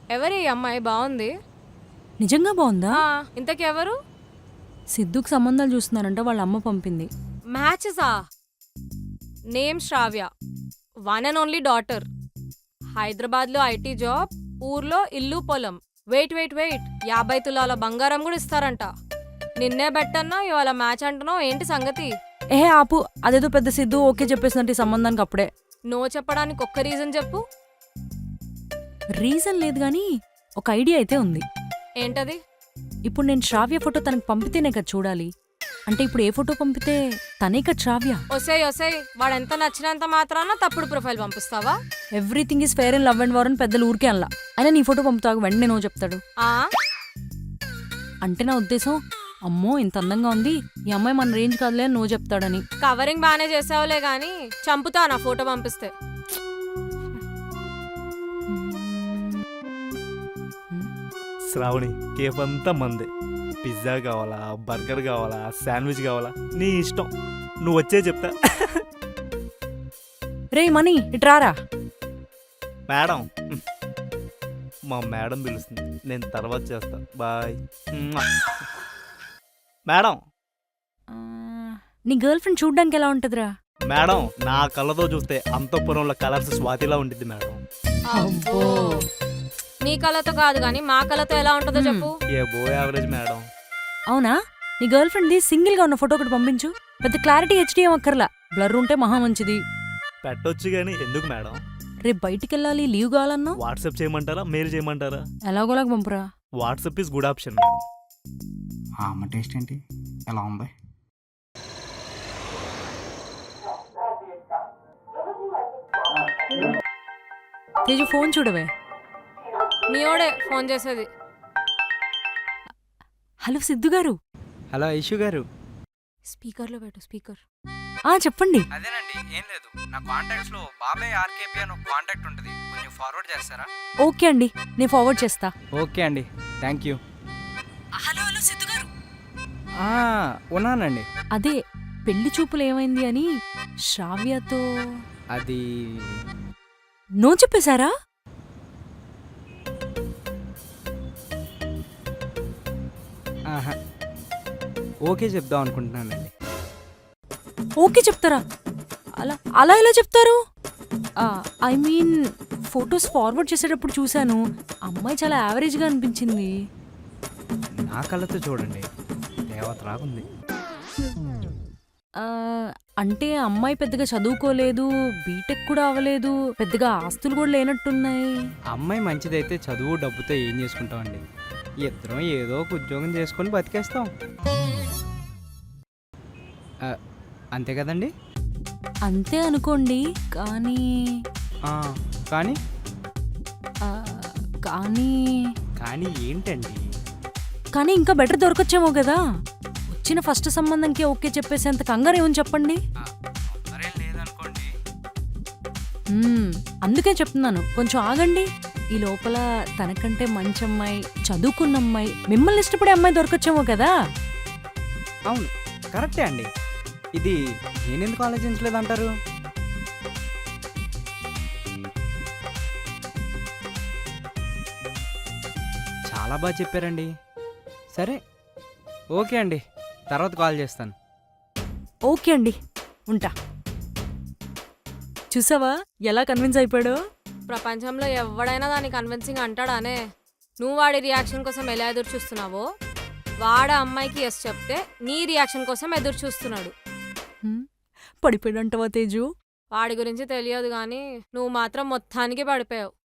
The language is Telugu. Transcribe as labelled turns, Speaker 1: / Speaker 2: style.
Speaker 1: ఎవరి ఈ అమ్మాయి బాగుంది?
Speaker 2: నిజంగా బాగుందా?
Speaker 1: ఇంతకీ ఎవరు?
Speaker 2: సిద్ధుకు సంబంధాలు చూస్తున్నారంట, వాళ్ళ అమ్మ పంపింది.
Speaker 1: మ్యాచెసా? Name Shravya, one and only daughter. హైదరాబాద్లో ఐటీ జాబ్, ఊర్లో ఇల్లు పొలం. వెయిట్ 50 తులాల బంగారం కూడా ఇస్తారంట. నిన్నే బెట్టన్నా ఇవాళ మ్యాచ్ అంటున్నావు, ఏంటి సంగతి?
Speaker 2: ఆపు, అదేదో పెద్ద సిద్ధు ఓకే చెప్పేసినట్టు ఈ సంబంధానికి అప్పుడే.
Speaker 1: నో చెప్పడానికి ఒక్క రీజన్ చెప్పు.
Speaker 2: రీజన్ లేదు గానీ ఒక ఐడియా అయితే ఉంది.
Speaker 1: ఏంటది?
Speaker 2: ఇప్పుడు నేను శ్రావ్య ఫోటో తనకు పంపితేనే కదా చూడాలి. అంటే ఇప్పుడు ఏ ఫోటో పంపితే తనే కదా శ్రావ్య.
Speaker 1: ఒసేయ్ వాడెంత నచ్చినంత మాత్రాన తప్పుడు ప్రొఫైల్ పంపిస్తావా?
Speaker 2: Everything is fair and love and war అని పెద్దలు ఊరికే అలా. అయినా నీ ఫోటో పంపుతావు, వెంటనే నో చెప్తాడు. అంటే నా ఉద్దేశం, అమ్మో ఇంత అందంగా ఉంది, ఈ అమ్మాయి మన రేంజ్ కాదులే అని నో చెప్తాడని.
Speaker 1: కవరింగ్ బానే చేసావులే గాని చంపుతా నా ఫోటో పంపిస్తే.
Speaker 3: శ్రావణి, కేఫ్ అంతా మందే. పిజ్జా కావాలా, బర్గర్ కావాలా, శాండ్విచ్ కావాలా, నీ ఇష్టం. నువ్వు వచ్చే చెప్తా.
Speaker 2: రే మనీ ఇట్రారా.
Speaker 3: మేడం, మా మేడం పిలుస్తుంది, నేను తర్వాత చేస్తా. బాయ్. మేడం,
Speaker 2: నీ గర్ల్ ఫ్రెండ్ చూడ్డానికి ఎలా ఉంటదిరా?
Speaker 3: మేడం, నా కళ్ళతో చూస్తే అంతఃపురంలో కలర్స్ స్వాతిలా ఉంటుంది మేడం.
Speaker 1: నీ కళతో కాదు గాని మా కళతో ఎలా ఉంటుందో చెప్పు.
Speaker 3: ఏ బో యావరేజ్ మేడం.
Speaker 2: అవునా? నీ గర్ల్ ఫ్రెండ్ ది సింగిల్ గా ఉన్న ఫోటో ఒకటి పంపించు. పెద్ద క్లారిటీ హెచ్డీ ఏం అక్కర్లా, బ్లర్ ఉంటే మహా మంచిది.
Speaker 3: పెట్టొచ్చు గానీ ఎందుకు మేడం?
Speaker 2: రేపు బయటికి వెళ్ళాలి, లీవ్ కావాలన్నా
Speaker 3: వాట్సాప్ చేయమంటారా, మెయిల్ చేయమంటారా?
Speaker 2: ఎలాగోలాగా పంపురా.
Speaker 3: WhatsApp is good option madam.
Speaker 4: అమ్మ టేస్ట్ ఏంటి ఎలా ఉంది?
Speaker 2: తేజు ఫోన్ చూడవే.
Speaker 1: నీయోడే ఫోన్ చేసేది.
Speaker 2: హలో సిద్ధు గారు.
Speaker 5: హలో ఐషు గారు.
Speaker 1: స్పీకర్ లో పెట్టు. స్పీకర్.
Speaker 2: చెప్పండి.
Speaker 5: అదేనండి, ఏం లేదు, నా కాంటాక్ట్స్ లో బాబాయ్ ఆర్కేపీ అని ఒక కాంటాక్ట్ ఉంటుంది, కొంచెం ఫార్వర్డ్ చేస్తారా?
Speaker 2: ఓకే అండి, నేను ఫార్వర్డ్ చేస్తా.
Speaker 5: ఓకే అండి, thank you.
Speaker 2: Hello hello Siddhu గారు.
Speaker 5: ఉన్నానండి.
Speaker 2: అదే పెళ్లి చూపులు ఏమైంది అని శ్రావ్యతో.
Speaker 5: అది
Speaker 2: నో చెప్పేశారా?
Speaker 5: ఓకే చెప్దాం అనుకుంటున్నానండి.
Speaker 2: ఓకే చెప్తారా? అలా అలా ఎలా చెప్తారు? ఐ మీన్ ఫొటోస్ ఫార్వర్డ్ చేసేటప్పుడు చూశాను, అమ్మాయి చాలా యావరేజ్గా అనిపించింది.
Speaker 5: నా కళ్ళతో చూడండి, దేవత రాగుంది.
Speaker 2: అంటే అమ్మాయి పెద్దగా చదువుకోలేదు, బీటెక్ కూడా అవ్వలేదు, పెద్దగా ఆస్తులు కూడా లేనట్టున్నాయి.
Speaker 5: అమ్మాయి మంచిదైతే చదువు డబ్బుతో ఏం చేసుకుంటామండి, ఇద్దరం ఏదో ఒక ఉద్యోగం చేసుకొని బతికేస్తాం, అంతే కదండి?
Speaker 2: అంతే అనుకోండి, కానీ
Speaker 5: కానీ
Speaker 2: కానీ
Speaker 5: కానీ ఏంటండి?
Speaker 2: కానీ ఇంకా బెటర్ దొరకొచ్చేమో కదా. వచ్చిన ఫస్ట్ సంబంధంకే ఓకే చెప్పేసేంత కంగారు ఏమని చెప్పండి.
Speaker 5: లేదనుకోండి.
Speaker 2: అందుకే చెప్తున్నాను, కొంచెం ఆగండి. ఈ లోపల తనకంటే మంచి అమ్మాయి, చదువుకున్న అమ్మాయి, మిమ్మల్ని ఇష్టపడే అమ్మాయి దొరకొచ్చేమో కదా.
Speaker 5: అవును, కరెక్టే అండి. ఇది నేనెందుకు ఆలోచించలేదంటారు? చాలా బాగా చెప్పారండి. సరే, ఓకే అండి, తర్వాత కాల్ చేస్తాను.
Speaker 2: ఓకే అండి, ఉంటా. చూసావా ఎలా కన్విన్స్ అయిపోయాడో?
Speaker 1: ప్రపంచంలో ఎవడైనా దాన్ని కన్విన్సింగ్ అంటాడానే. నువ్వు వాడి రియాక్షన్ కోసం ఎలా ఎదురు చూస్తున్నావో, వాడ అమ్మాయికి ఎస్ చెప్తే నీ రియాక్షన్ కోసం ఎదురు చూస్తున్నాడు.
Speaker 2: పడిపోయాడంటవా తేజు?
Speaker 1: వాడి గురించి తెలియదు గాని నువ్వు మాత్రం మొత్తానికి పడిపోయావు.